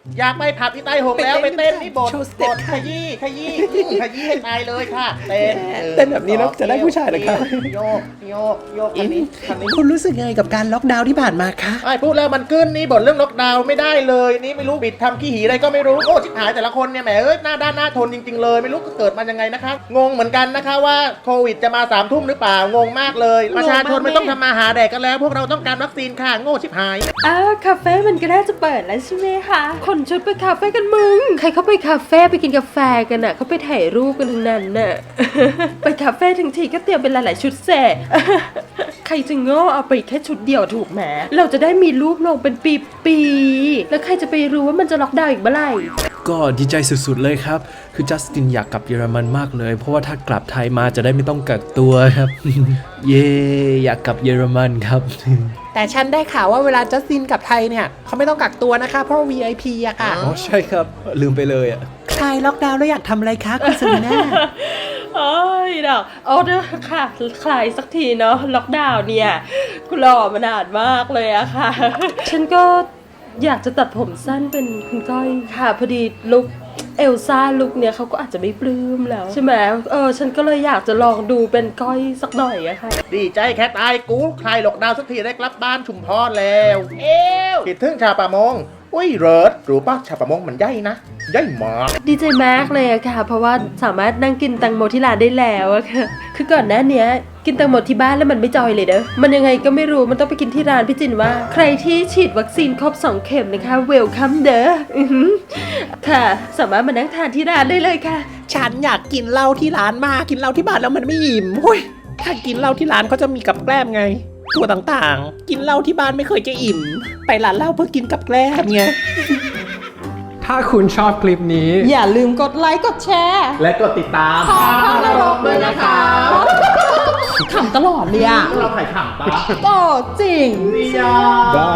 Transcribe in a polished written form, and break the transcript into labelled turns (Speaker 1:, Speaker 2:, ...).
Speaker 1: อยากไปผับที่ใต้หงแล้วไปเต้นนี่บทขยี้ขยี้ให้ตายเลยค่ะเต้น
Speaker 2: แบบนี้แล้วจะได้ผู้ชายเหรอครับ
Speaker 1: โยกคันนี้
Speaker 2: คุณรู้สึกยังไงกับการล็อกดาวน์ที่ผ่านมาคะ
Speaker 1: ไอ้พูดแล้วมันขึ้นนี่บ่นเรื่องล็อกดาวน์ไม่ได้เลยนี่ไม่รู้บิดทำขี้หีอะไรก็ไม่รู้โอ้ชิบหายแต่ละคนเนี่ยแหมเอ้ยหน้าด้านหน้าทนจริงๆเลยไม่รู้เกิดมายังไงนะคะงงเหมือนกันนะคะว่าโควิดจะมา3 ทุ่มหรือเปล่างงมากเลยประชาชนไม่ต้องทำมาหาแดกกันแล้วพวกเราต้องการวัคซีนค่ะโง่ชิบหาย
Speaker 3: คาเฟ่มันก็น่าจะเปิดแล้วใช่ไหมคะคนชุดไปคาเฟ่กันมึงใครเขาไปคาเฟ่ไปกินกาแฟกันน่ะเขาไปถ่ายรูปกันทั้งนั้นน่ะ ไปคาเฟ่ทั้งทีก็เตรียมเป็นหลายๆชุดแส่ ใครจะโง่เอาไปแค่ชุดเดียวถูกไหมเราจะได้มีรูปลงเป็นปีๆแล้วใครจะไปรู้ว่ามันจะล็อกดาวน์อีกเมื่อไหร่
Speaker 2: ก็ดีใจสุดๆเลยครับคือจัสตินอยากกลับเยอรมันมากเลยเพราะว่าถ้ากลับไทยมาจะได้ไม่ต้องกักตัวครับ เย่อยากกลับเยอรมันครับ
Speaker 4: แต่ฉันได้ข่าวว่าเวลาจัสตินกลับไทยเนี่ยเขาไม่ต้องกักตัวนะคะเพราะ VIP อะค่ะ
Speaker 2: อ๋อใช่ครับลืมไปเลยอ่ะ
Speaker 4: คลายล็อกดาวน์แล้วอยากทำอะไรคะคุณซารีน่า
Speaker 3: โอ้ยดอกเอาเด้อค่ะคลายสักทีเนาะล็อกดาวน์เนี่ยกูรอมานานมากเลยอะค่ะ ฉันก็อยากจะตัดผมสั้นเป็นคุณก้อยค่ะพอดีลุคเอลซ่าลุคเนี่ยเขาก็อาจจะไม่ปลื้มแล้วใช่ไหมฉันก็เลยอยากจะลองดูเป็นก้อยสักหน่อยอะค่ะ
Speaker 1: ดีใจแค่ตายกูคลายล็อกดาวน์สักทีได้กลับบ้านชุมพรแล้วคิดถึงชาปะมงอุ้ยเริร์ดรู้ป่ะชาปะมงมันใหญ่นะใหญ่มาก
Speaker 3: ดีใจมากเลยอะค่ะเพราะว่าสามารถนั่งกินแตงโมที่ร้านได้แล้วอะค่ะคือก่อนหน้านี้กินแตงโมที่บ้านแล้วมันไม่จอยเลยเด้อมันยังไงก็ไม่รู้มันต้องไปกินที่ร้านพี่จินว่าใครที่ฉีดวัคซีนครบ2 เข็มนะคะเวลคัมเด้อค่ะสามารถมานั่งทานที่ร้านได้เลยค่ะ
Speaker 4: ฉันอยากกินเหล้าที่ร้านมากกินเหล้าที่บ้านแล้วมันไม่อิ่มเฮ้ยถ้ากินเหล้าที่ร้านเขาจะมีกับแกล้มไงตัวต่างๆกินเหล้าที่บ้านไม่เคยจะอิ่ม ไปร้านเหล้าเพื่อกินกับแกล้มไง
Speaker 5: ถ้าคุณชอบคลิปนี้
Speaker 3: อย่าลืมกดไลค์กดแชร์
Speaker 1: และกดติดตาม
Speaker 3: ขอบนรกด้วยนะคะขำตลอดเลยอะ
Speaker 1: เราถ่ายขำปะ
Speaker 3: โอ้จริง
Speaker 1: เดีย
Speaker 5: บาย